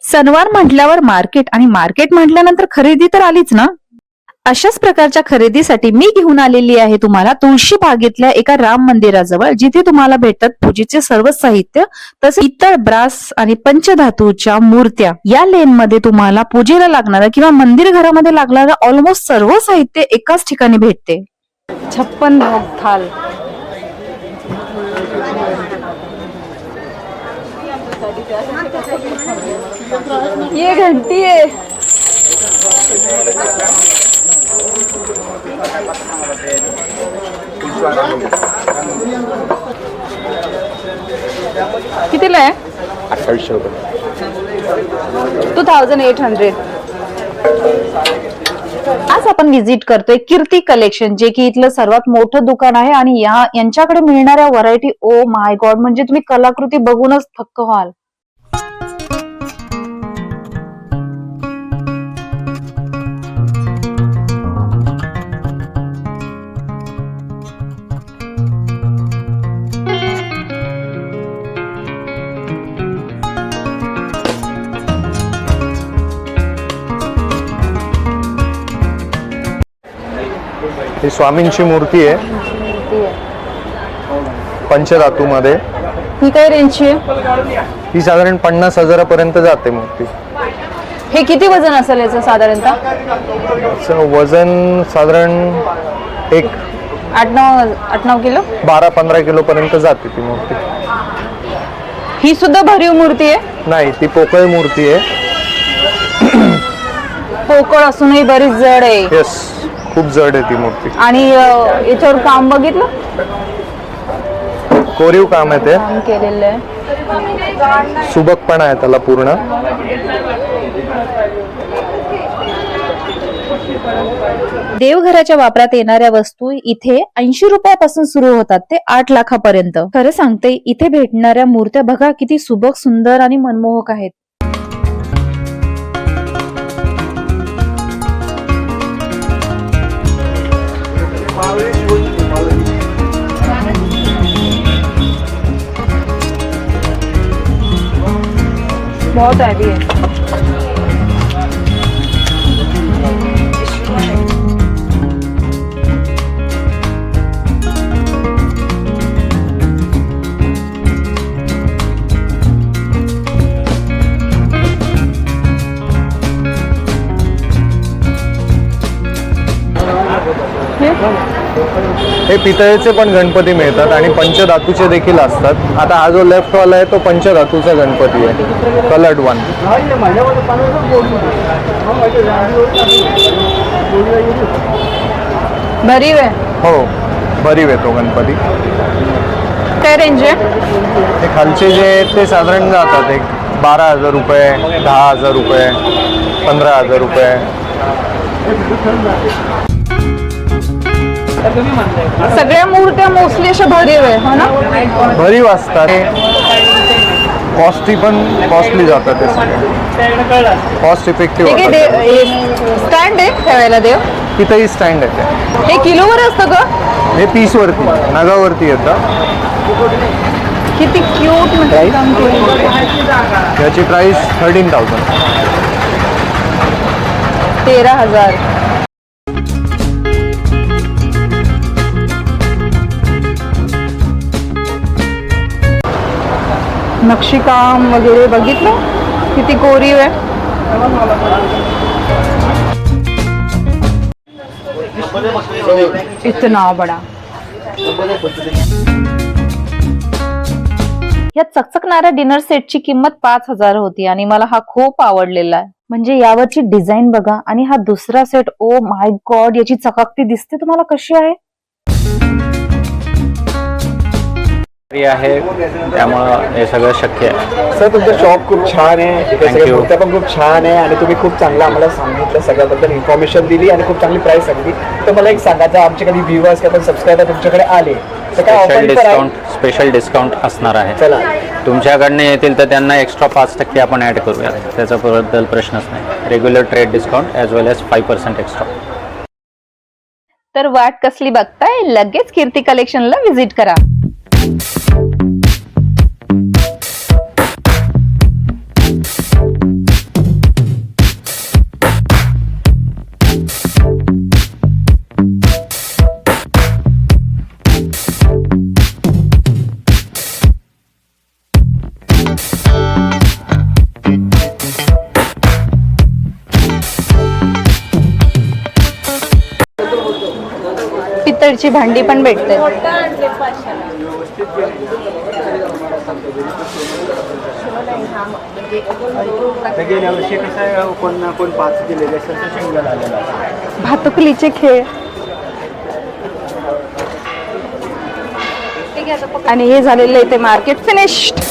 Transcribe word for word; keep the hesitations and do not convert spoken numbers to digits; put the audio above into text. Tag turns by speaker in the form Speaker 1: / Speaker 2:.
Speaker 1: सणवार म्हटल्यावर मार्केट आणि मार्केट म्हटल्यानंतर खरेदी तर आलीच ना. अशाच प्रकारच्या खरेदीसाठी मी घेऊन आलेली आहे तुम्हाला तुळशी बागेतल्या एका राम मंदिराजवळ, जिथे तुम्हाला भेटतात पूजेचे सर्व साहित्य, तसेच इतर ब्रास आणि पंचधातूच्या मूर्त्या. या लेन मध्ये तुम्हाला पूजेला लागणारा किंवा मंदिर घरामध्ये लागणारा ऑलमोस्ट सर्व साहित्य एकाच ठिकाणी भेटते. छप्पन भोग थाल. ये घंटी है. कितीला आहे?
Speaker 2: अठ्ठावीसशे रुपये.
Speaker 1: Two thousand eight hundred. आज आपण व्हिजिट करतोय कीर्ती कलेक्शन, जे की इथलं सर्वात मोठं दुकान आहे आणि या यांच्याकडे मिळणाऱ्या व्हरायटी, ओ माय गॉड, म्हणजे तुम्ही कलाकृती बघूनच थक्क व्हाल.
Speaker 2: ही स्वामींची मूर्ती आहे पंचधातू मध्ये.
Speaker 1: ही काय रेंजची आहे?
Speaker 2: ही साधारण पन्नास हजारापर्यंत जाते मूर्ती.
Speaker 1: हे किती वजन असेल याचं साधारणतः?
Speaker 2: याचं वजन साधारण एक
Speaker 1: आठ नऊ आठ नऊ किलो
Speaker 2: बारा पंधरा किलो पर्यंत जाते ती मूर्ती.
Speaker 1: ही सुद्धा भरीव मूर्ती आहे?
Speaker 2: नाही, ती पोकळ मूर्ती आहे.
Speaker 1: पोकळ असूनही बरीच जड आहे.
Speaker 2: येस, खूप जड आहे ती मूर्ती.
Speaker 1: आणि याच्यावर काम बघितलं,
Speaker 2: कोरीव काम आहे ते,
Speaker 1: काम केलेलं आहे,
Speaker 2: सुबक पण आहे त्याला पूर्ण.
Speaker 1: देवघराच्या वापरात येणाऱ्या वस्तू इथे ऐंशी रुपयापासून सुरू होतात ते आठ लाखापर्यंत. खरं सांगते, इथे भेटणाऱ्या मूर्त्या बघा किती सुबक, सुंदर आणि मनमोहक आहेत. बहुत हैवी है.
Speaker 2: हे पितळेचे पण गणपती मिळतात आणि पंचधातूचे देखील असतात. आता हा जो लेफ्ट वाला आहे तो पंचधातूचा गणपती आहे, कलर्ड वन.
Speaker 1: भरीव आहे.
Speaker 2: हो, भरीव आहे तो गणपती.
Speaker 1: काय रेंज आहे?
Speaker 2: हे खालचे जे आहेत ते साधारण जातात एक बारा हजार रुपये, दहा हजार रुपये, पंधरा हजार रुपये.
Speaker 1: सगळ्या मूर्त्या मोस्टली अशा भरीव आहे, हो ना?
Speaker 2: भरीव असतात. कॉस्टली पण कॉस्टली जातात ते सगळे, कॉस्ट इफेक्टिव्ह होतात.
Speaker 1: स्टँड आहे ठेवायला देव?
Speaker 2: तिथंही स्टँड आहे ते.
Speaker 1: हे किलोवर असतं का?
Speaker 2: हे पीस वरती, नगावरती येतं.
Speaker 1: किती क्यूट म्हणजे.
Speaker 2: याची प्राइस थर्टीन थाउजंड.
Speaker 1: तेरा हजार. नक्षीकाम वगैरे बघितलं किती कोरीव आहे. इतना बडा. या चकचकणाऱ्या डिनर सेटची किंमत पाच हजार होती आणि मला हा खूप आवडलेला आहे. म्हणजे यावरची डिझाईन बघा. आणि हा दुसरा सेट, ओ माय गॉड, याची चकाकती दिसते तुम्हाला कशी आहे.
Speaker 3: आहे त्यामुळं हे सगळं शक्य आहे.
Speaker 4: सर, तुमचं शॉप खूप छान आहे,
Speaker 3: Thank you.
Speaker 4: मूर्त्या पण खूप छान आहे आणि तुम्ही खूप चांगलं आम्हाला सांगितलं, सगळ्याबद्दल इन्फॉर्मेशन दिली आणि खूप चांगली प्राइस सांगितली. तर मला एक सांगा, जर आमचे कधी व्ह्युअर्स किंवा सबस्क्रायबर तुमच्याकडे आले तर काय
Speaker 3: special
Speaker 4: offer
Speaker 3: discount special discount असणार आहे.
Speaker 4: चला,
Speaker 3: तुमच्याकडनं येतील तर त्यांना एक्स्ट्रा पाच टक्के आपण ॲड करूया, त्याच्याबद्दल प्रश्नच नाही. Regular trade discount as well as five percent extra.
Speaker 1: तर वाट कसली बघताय, लगेच कीर्ती कलेक्शनला व्हिजिट करा. पितळेची भांडी पण भेटते.
Speaker 4: गेल्या वर्षी कसं आहे, कोण ना कोण पाच दिलेले असेल तर सिंगल आलेला आहे.
Speaker 1: भातुकलीचे खेळ आणि हे झालेलं इथे मार्केट फिनिश्ड.